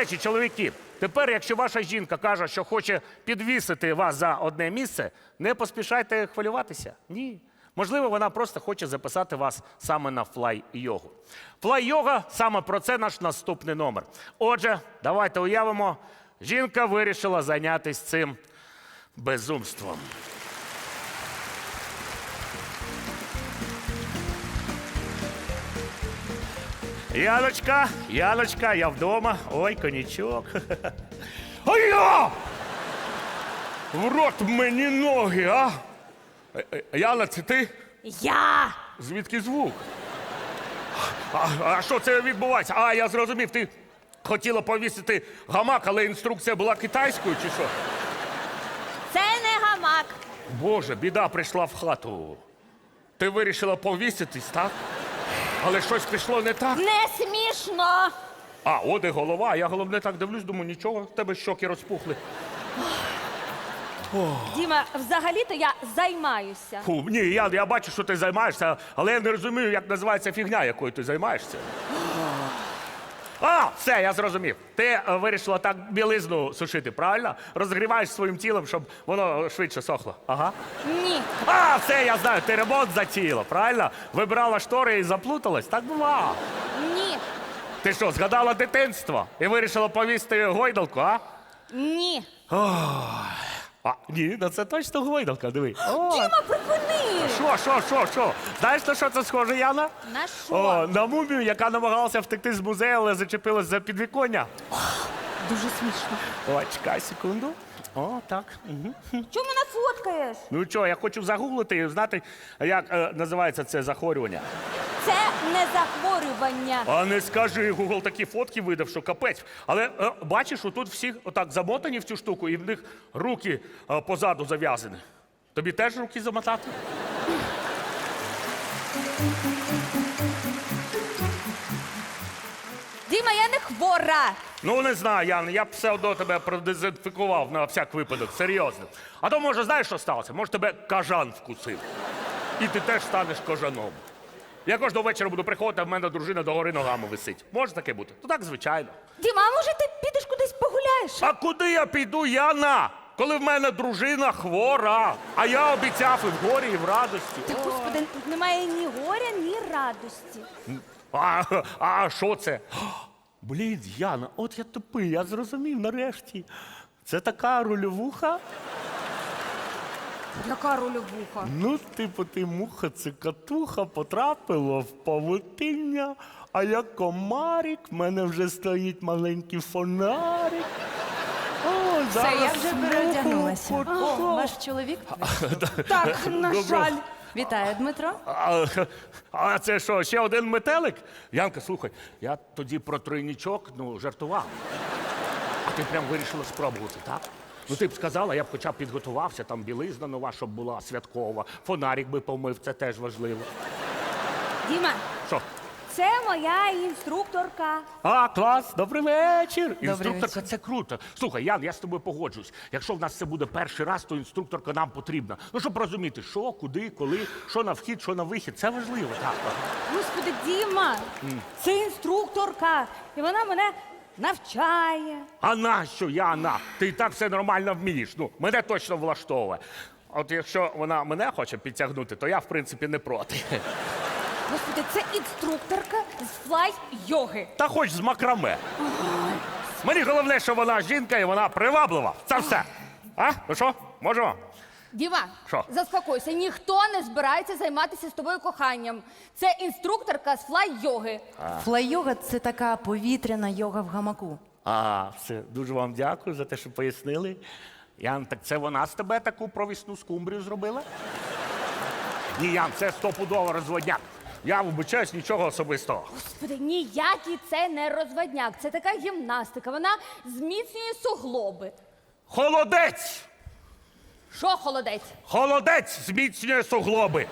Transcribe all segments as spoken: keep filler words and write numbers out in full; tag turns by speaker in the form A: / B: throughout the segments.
A: речі, чоловіки, тепер, якщо ваша жінка каже, що хоче підвісити вас за одне місце, не поспішайте хвилюватися. Ні. Можливо, вона просто хоче записати вас саме на флай-йогу. Флай-йога – саме про це наш наступний номер. Отже, давайте уявимо, жінка вирішила зайнятися цим безумством. Яночка, Яночка, я вдома. Ой, коньячок. Ой, я! В рот мені ноги, а? Яна, це ти?
B: Я!
A: Звідки звук? А, а що це відбувається? А, я зрозумів, ти хотіла повісити гамак, але інструкція була китайською, чи що?
B: Це не гамак.
A: Боже, біда прийшла в хату. Ти вирішила повіситись, так? Але щось пішло не так.
B: Не смішно.
A: А, от і голова. Я головне так дивлюсь, думаю, нічого, в тебе щоки розпухли.
B: Діма, взагалі-то я займаюся.
A: Фу, ні, я, я бачу, що ти займаєшся, але я не розумію, як називається фігня, якою ти займаєшся. А, все, я зрозумів. Ти е, вирішила так білизну сушити, правильно? Розгріваєш своїм тілом, щоб воно швидше сохло. Ага.
B: Ні.
A: А, все, я знаю, ти ремонт затіяла, правильно? Вибирала штори і заплуталась, так бува.
B: Ні.
A: Ти що, згадала дитинство і вирішила повісти гойдалку, а?
B: Ні.
A: А, ні, ну це точно гойдалка, диви. О,
B: Діма, припини!
A: що, що, що, що? Знаєш, на що це схоже, Яна?
B: На що?
A: О, на мумію, яка намагалася втекти з музею, але зачепилась за підвіконня.
B: Дуже смішно.
A: О, чекай секунду. О, так. Угу.
B: Чому мене фоткаєш?
A: Ну що, я хочу загуглити і знати, як е, називається це захворювання.
B: Це не захворювання.
A: А не скажи, Гугл такі фотки видав, що капець. Але е, бачиш, отут всі отак замотані в цю штуку, і в них руки е, позаду зав'язані. Тобі теж руки замотати?
B: Діма, я не хвора.
A: Ну, не знаю, Ян, я б все одно тебе продезінфікував на всяк випадок, серйозно. А то, може, знаєш, що сталося? Може, тебе кажан вкусив. І ти теж станеш кажаном. Я кожного вечора буду приходити, а в мене дружина догори ногами висить. Може таке бути? Ну так, звичайно.
B: Діма, а може ти підеш кудись погуляєш?
A: А куди я піду, Яна? Коли в мене дружина хвора, а я обіцяв і в горі, і в радості.
B: Та, господи, тут немає ні горя, ні радості.
A: А, а що це? Блін, Яна, от я тупий, я зрозумів нарешті. Це така рольовуха?
B: Яка рольовуха?
A: Ну, типу, ти муха цикатуха потрапила в павутиння, а я комарик, в мене вже стоїть маленький фонарик. О,
C: Все,
A: зараз
C: я вже
A: муху
C: переодягнулася.
A: потоплю.
C: О, ваш чоловік?
B: Так, на
A: Добро.
B: жаль.
C: Вітаю, Дмитро.
A: А, а це що, ще один метелик? Янка, слухай, я тоді про тройнічок, ну, жартував. А ти прям вирішила спробувати, так? Ну, ти б сказала, я б хоча б підготувався, там білизна нова, щоб була святкова, фонарик би помив, це теж важливо.
B: Діма,
A: Що?
B: це моя інструкторка.
A: А, клас, добрий вечір.
C: Добрий
A: Інструкторка,
C: вечір.
A: це круто. Слухай, Ян, я з тобою погоджуюсь. Якщо в нас це буде перший раз, то інструкторка нам потрібна. Ну, щоб розуміти, що, куди, коли, що на вхід, що на вихід. Це важливо, так.
B: Господи, Діма, це інструкторка. І вона мене навчає.
A: А нащо, Яна? Ти і так все нормально вмієш. Ну, мене точно влаштовує. От якщо вона мене хоче підтягнути, то я, в принципі, не проти.
B: Господи, це інструкторка з флай-йоги.
A: Та хоч з макраме. Мені головне, що вона жінка і вона приваблива. Це все. А? Ну що, можемо?
B: Діма,
A: Що?
B: заспокойся, ніхто не збирається займатися з тобою коханням. Це інструкторка з флай-йоги.
C: Флай-йога – це така повітряна йога в гамаку.
A: А, все, дуже вам дякую за те, що пояснили. Ян, так це вона з тебе таку провісну скумбрію зробила? Ні, Ян, це стопудово розводняк. Я вибачаюсь, нічого особистого.
B: Господи, ніякий це не розводняк. Це така гімнастика. Вона зміцнює суглоби.
A: Холодець!
B: Що холодець?
A: Холодець зміцнює суглоби.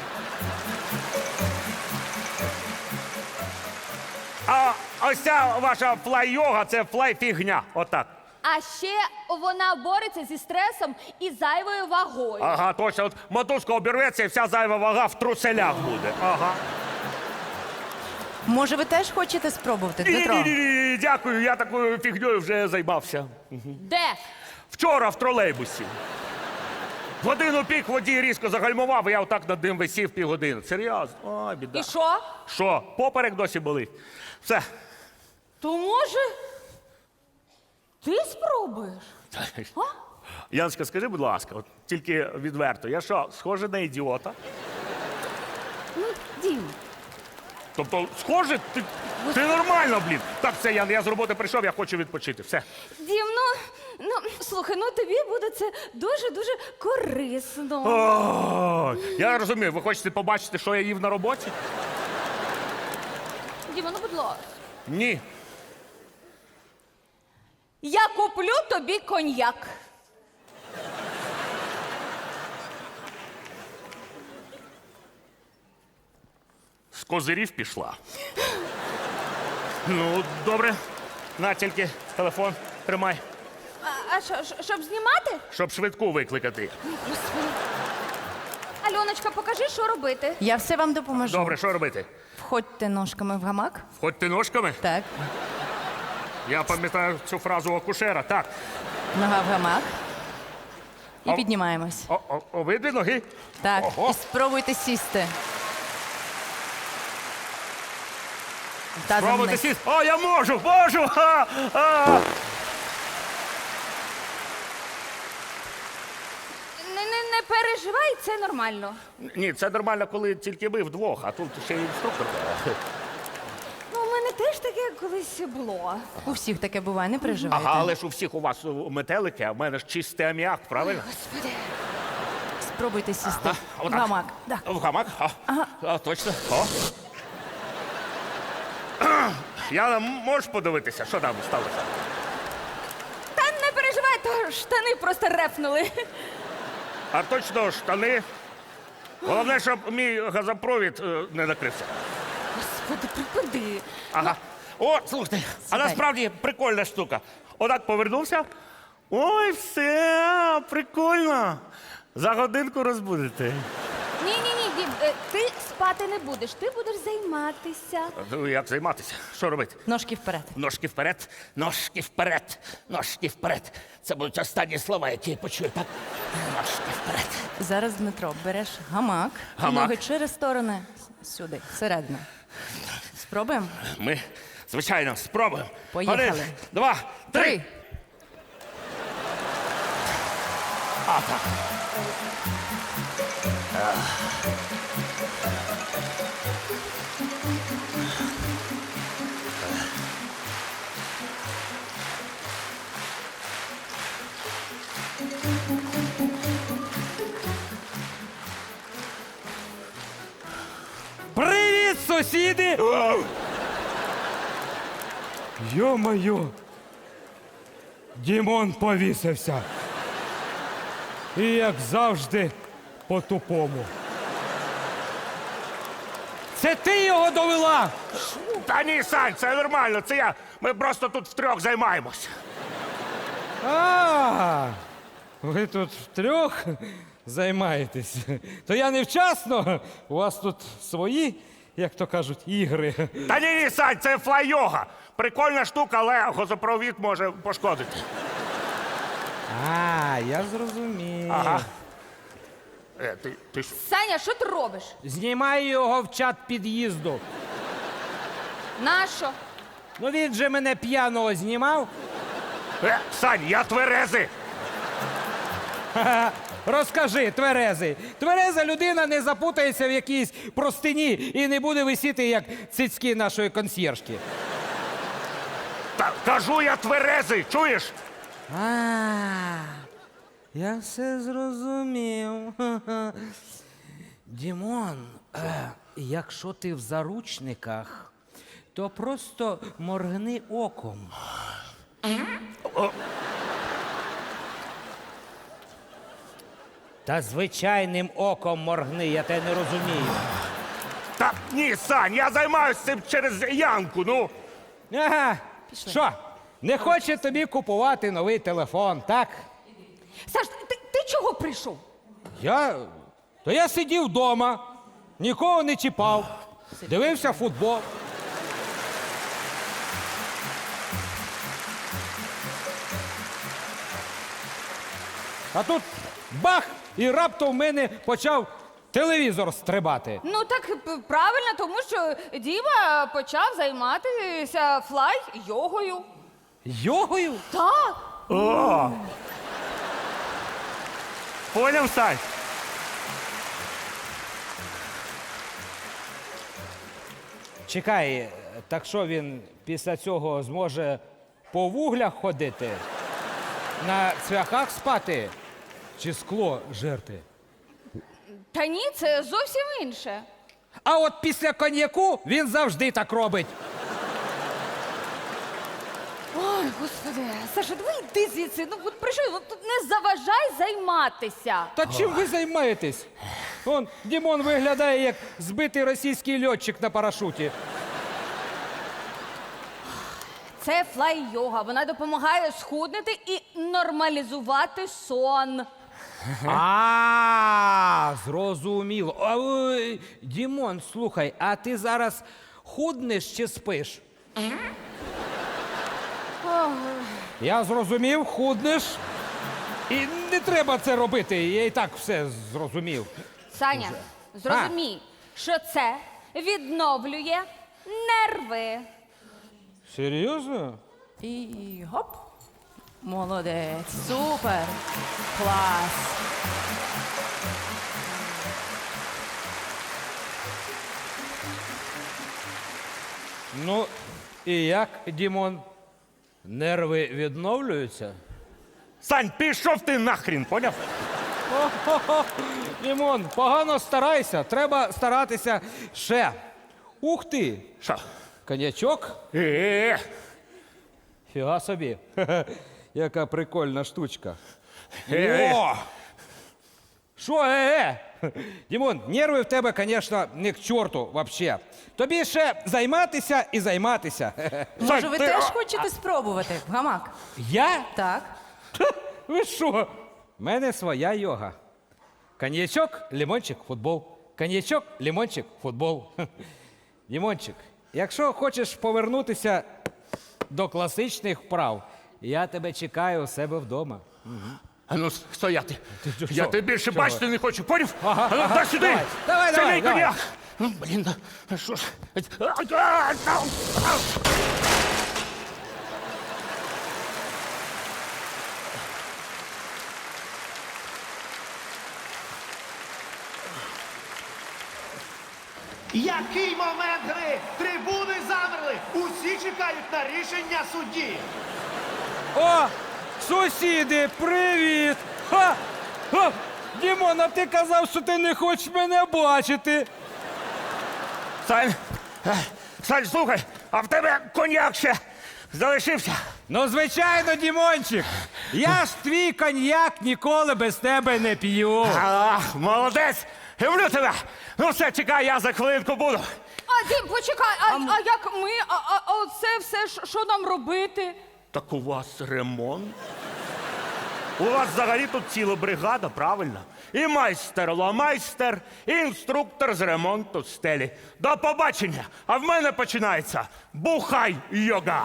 A: А ось ця ваша флай-йога – це флай-фігня. Отак.
B: А ще вона бореться зі стресом і зайвою вагою.
A: Ага, точно. От мотузка обірветься і вся зайва вага в труселях буде. Ага.
C: Може, ви теж хочете спробувати, Дмитро?
A: Ні-ні-ні, дякую, я такою фігньою вже займався.
B: Де?
A: Вчора в тролейбусі. В годину пік водій різко загальмував, і я отак над ним висів півгодини. Серйозно? Ой, біда.
B: І що?
A: Що, поперек досі болить? Все.
B: То може ти спробуєш? А?
A: Яночка, скажи, будь ласка, от тільки відверто, я що, схожий на ідіота?
B: Ну, Дім,
A: Тобто, схоже, ти, ти нормально, блін. Так, все, Ян, я з роботи прийшов, я хочу відпочити. Все.
B: Дім, ну, ну слухай, ну тобі буде це дуже-дуже корисно.
A: О, я розумію, ви хочете побачити, що я їв на роботі?
B: Діма, ну будь ласка.
A: Ні.
B: Я куплю тобі коньяк.
A: З козирів пішла. Ну, добре. На тільки телефон тримай,
B: А, а що, щ- щоб знімати?
A: щоб швидку викликати.
B: Господи. Альоночка, покажи, що робити.
C: Я все вам допоможу.
A: Добре, що робити?
C: Входьте ножками в гамак.
A: Входьте ножками?
C: Так.
A: Я пам'ятаю цю фразу акушера. Так.
C: Нога в гамак. І
A: А-
C: піднімаємось.
A: О, о, обидві ноги.
C: Так.
A: Ого.
C: І спробуйте сісти. Тазом
A: Пробуйте
C: вниз.
A: сісти. О, я можу, можу! Ха! А!
B: Не, не, не переживай, це нормально.
A: Ні, це нормально, коли тільки ми вдвох, а тут ще й інструктор.
B: Ну, у мене теж таке колись було.
C: У всіх таке буває, не переживайте.
A: Ага, але ж у всіх у вас метелики, а в мене ж чистий аміак, правильно?
B: Господи.
C: Спробуйте сісти.
A: Ага,
C: в
A: отак.
C: гамак. Да.
A: В гамак? А, а, точно. О. Я можеш подивитися, що там сталося?
B: Та не переживай, то штани просто репнули.
A: А точно штани. Головне, щоб мій газопровід е, не накрився.
B: Господи, припади.
A: Ага. О, слухайте, а
C: Сідай.
A: насправді прикольна штука. Отак повернувся. Ой, все, прикольно. За годинку розбудете.
B: Ні, ні, ні, Дім, е, ти спати не будеш, ти будеш займатися.
A: Ну, як займатися? Що робити?
C: Ножки вперед.
A: Ножки вперед, ножки вперед, ножки вперед. Це будуть останні слова, які я почую, так? Ножки вперед.
C: Зараз, Дмитро, береш гамак, і
A: Гамак.
C: ноги через сторони сюди, всередину. Спробуємо?
A: Ми, звичайно, спробуємо.
C: Поїхали.
A: Один, два, три.
C: Три.
A: А, так.
D: Привіт, сусіди! Йо-моє! Дімон повісився. І як завжди, по-тупому. Це ти його довела?
A: Та ні, Сань, це нормально, це я. Ми просто тут втрьох займаємось.
D: А, ви тут втрьох займаєтесь. То я невчасно. У вас тут свої, як то кажуть, ігри.
A: Та ні, ні, Сань, це флай-йога. Прикольна штука, але газопровід може пошкодити.
D: А, я зрозумів.
A: Ага. Е, ти, ти що?
B: Саня, що ти робиш?
D: Знімаю його в чат під'їзду.
B: Нащо?
D: Ну він же мене п'яного знімав.
A: Е, Сань, я тверезий.
D: Ха-ха. Розкажи, тверезий. Твереза людина не запутається в якійсь простині і не буде висіти, як цицьки нашої консьєржки.
A: Та кажу, я тверезий, чуєш?
D: А, я все зрозумів. Ха-ха. Дімон, е, якщо ти в заручниках, то просто моргни оком. Та звичайним оком моргни, я тебе не розумію.
A: Та ні, Сань, я займаюся цим через Янку, ну.
D: Ага, що, не хоче тобі купувати новий телефон, так?
B: Саш, ти, ти чого прийшов?
D: Я. То я сидів вдома, нікого не чіпав, дивився футбол. А тут бах! І раптом в мене почав телевізор стрибати.
B: Ну так п- правильно, тому що Діма почав займатися флай-йогою.
D: Йогою?
B: Так.
A: О! Поняв, Сань?
D: Чекай, так що він після цього зможе по вуглях ходити? На цвяхах спати? Чи скло жерти?
B: Та ні, це зовсім інше.
D: А от після коньяку він завжди так робить.
B: Ой, господи, Саша, давай йди звідси. Ну от прийшов, ну, тут не заважай займатися.
D: Та чим ви займаєтесь? Он Дімон виглядає як збитий російський льотчик на парашуті.
B: Це флай-йога. Вона допомагає схуднути і нормалізувати сон.
D: А, зрозуміло. А, ой, Дімон, слухай, а ти зараз худнеш чи спиш? Я зрозумів, худнеш. І не треба це робити, я і так все зрозумів.
B: Саня, зрозумій, що це відновлює нерви.
D: Серйозно?
C: І гоп. Молодець. Супер. Клас.
D: Ну, і як, Дімон? Нерви відновлюються?
A: Сань, пішов ти нахрін, поняв?
D: О-хо-хо. Дімон, погано старайся. Треба старатися ще. Ух ти!
A: Що?
D: Конячок?
A: Е,
D: Фіга собі. Яка прикольна штучка.
A: Е-е.
D: О! Що, е-е? Дімон, нерви в тебе, звісно, не к чорту вообще. Тобі ще займатися і займатися.
C: Може, ви
A: ти-
C: теж
A: а-
C: хочете спробувати? В гамак?
D: Я?
C: Так.
D: Ви що? У мене своя йога. Коньячок, лимончик, футбол. Коньячок, лимончик, футбол. Дімончик, якщо хочеш повернутися до класичних вправ, я тебе чекаю у себе вдома.
A: А ну, стояти.
D: ти
A: Я
D: що?
A: тебе більше
D: Чого?
A: бачити не хочу, поняв?
D: Ага,
A: А ну,
D: ага,
A: дай сюди!
D: давай, давай,
A: Це
D: давай,
A: мій
D: давай.
A: коньяк! Ну, блін, а що ж? А, а, а, а.
E: Який момент гри? Трибуни замерли. Усі чекають на рішення судді.
D: О, сусіди, привіт! Ха! Ха! Дімон, а ти казав, що ти не хочеш мене бачити.
A: Сань, е, Сань, слухай, а в тебе коньяк ще залишився?
D: Ну, звичайно, Дімончик. Я ж твій коньяк ніколи без тебе не п'ю.
A: А, молодець! Люблю тебе! Ну все, чекай, я за хвилинку буду.
B: А, Дім, почекай, а, а як ми? А, а, а оце все, що- що нам робити?
A: Так у вас ремонт? У вас взагалі тут ціла бригада, правильно? І майстер ломайстер, і інструктор з ремонту стелі. До побачення! А в мене починається бухай-йога!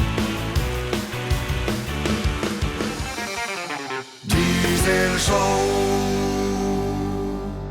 F: Diesel Show.